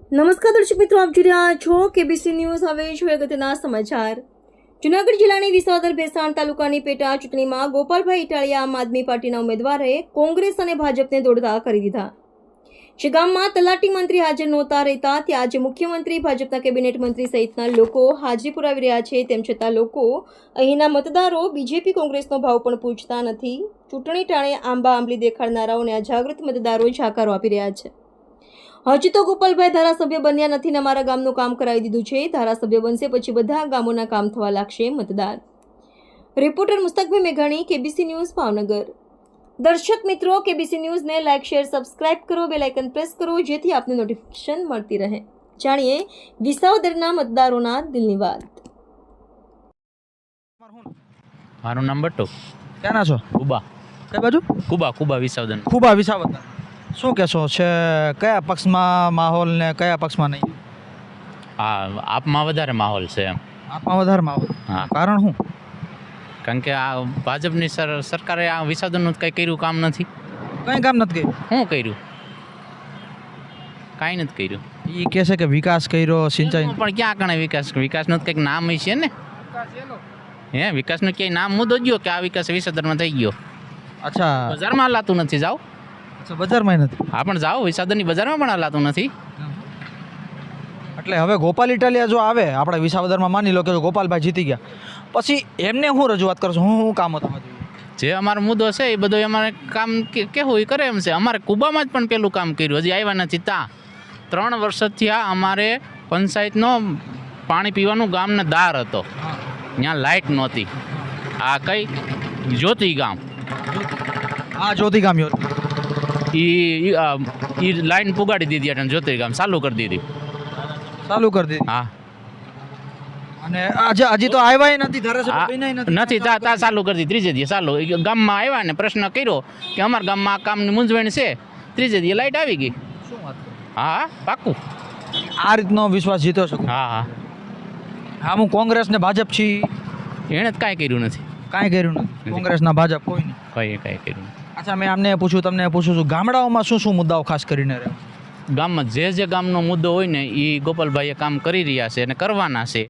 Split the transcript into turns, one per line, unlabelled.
નમસ્કાર દર્શક મિત્રો, આપ જોઈ રહ્યા છો કેબીસી ન્યૂઝ. હવે જોઈએ અગત્યના સમાચાર. જૂનાગઢ જિલ્લાની વિસાવદર ભેસાણ તાલુકાની પેટા ચૂંટણીમાં ગોપાલભાઈ ઇટાલિયા આમ આદમી પાર્ટીના ઉમેદવારે કોંગ્રેસ અને ભાજપને દોડતા કરી દીધા. જે ગામમાં તલાટી મંત્રી હાજર નહોતા રહેતા ત્યાં આજે મુખ્યમંત્રી, ભાજપના કેબિનેટ મંત્રી સહિતના લોકો હાજરી પુરાવી રહ્યા છે. તેમ છતાં લોકો અહીંના મતદારો બીજેપી કોંગ્રેસનો ભાવ પણ પૂછતા નથી. ચૂંટણી ટાણે આંબા આંબલી દેખાડનારાઓને અજાગૃત મતદારો જાકારો આપી રહ્યા છે. હજી તો ગોપાલભાઈ ધારાસભ્ય બન્યા નથી ને અમારા ગામનું કામ કરાવી દીધું છે. ધારાસભ્ય બનશે પછી બધા ગામોના કામ થવા લાગશે. મતદાર રિપોર્ટર મુસ્તકભાઈ મેઘાણી, કેબીસી ન્યૂઝ, ભાવનગર. દર્શક મિત્રો, કેબીસી ન્યૂઝને લાઇક, શેર, સબસ્ક્રાઇબ કરો, બેલ આઇકન પ્રેસ કરો જેથી આપને નોટિફિકેશન મળતી રહે. જાણીએ વિસાવદરના મતદારોના દિલની વાત.
મારું નામ બટ્ટુ.
ક્યાંના છો?
કુબા.
કઈ બાજુ?
કુબા વિસાવદન.
ખૂબા વિસાવદર. શું કહેશો છે, કયા પક્ષમાં માહોલ ને કયા પક્ષમાં નહીં?
હા, આપમાં વધારે માહોલ છે એમ.
આપમાં વધારે માહોલ.
હા.
કારણ શું?
કારણ કે આ ભાજપની સરકારે આ વિસાવદનનું કંઈ કર્યું કામ નથી.
કંઈ કામ નથી કર્યું.
શું કર્યું? કાંઈ નથી કર્યું.
એ કહે છે કે વિકાસ કર્યો, સિંચાઈ.
પણ ક્યાં કણે વિકાસનું કંઈક નામ છે ને. હે, વિકાસનું ક્યાંય નામ મુદ્દો ગયો કે આ વિકાસ વિસાવદરમાં થઈ ગયો?
અચ્છા,
બજારમાં હલાતું નથી. જાઓ.
અચ્છા, બજારમાં નથી.
હા, પણ જાઓ, વિસાવદરની બજારમાં પણ હલાતું નથી.
એટલે હવે ગોપાલ ઇટાલિયા જો આવે આપણે વિસાવદરમાં, માની લો કે ગોપાલભાઈ જીતી ગયા, પછી એમને હું રજૂઆત કરશું, હું કામ હતું
જે અમારો મુદ્દો છે એ બધું અમારે કામ કેવું એ કરે એમ છે. અમારે કુબામાં જ પણ પેલું કામ કર્યું, હજી આવ્યા નથી. ત્યાં 3 વર્ષથી આ અમારે પંચાયતનો પાણી પીવાનું ગામને દાર હતો, ત્યાં લાઇટ નહોતી. આ કઈ જ્યોતિ ગામ,
હા, જ્યોતિ ગામ યોત.
એ લાઈન પુગાડી દીધી એટલે જ્યોતિ ગામ ચાલુ કરી દીધી.
ચાલુ કરી દીધી.
હા,
અને હજી તો આવ્યા નથી, ધારાસભ્ય બન્યા
નથી. તા ચાલુ કરી દીધી. ત્રીજે દિવસે ચાલુ ગામમાં આવ્યા ને પ્રશ્ન કર્યો કે અમારા ગામમાં આ કામની મૂંઝવણ છે. ત્રીજે દિવસે લાઇટ આવી ગઈ.
શું વાત?
હા, પાક્કું.
આ રીતનો વિશ્વાસ જીતો શકો?
હા હા.
હા, હું કોંગ્રેસ ને ભાજપ છી,
એણે જ કાંઈ કર્યું નથી.
કાંઈ કર્યું નથી. કોંગ્રેસના ભાજપ કોઈ નહીં.
કાંઈ કર્યું નથી.
અચ્છા, મેં આમને પૂછ્યું, તમને પૂછું છું, ગામડાઓમાં શું શું મુદ્દાઓ ખાસ કરીને રહે?
ગામમાં જે ગામનો મુદ્દો હોય ને એ ગોપાલભાઈએ કામ કરી રહ્યા છે અને કરવાના છે.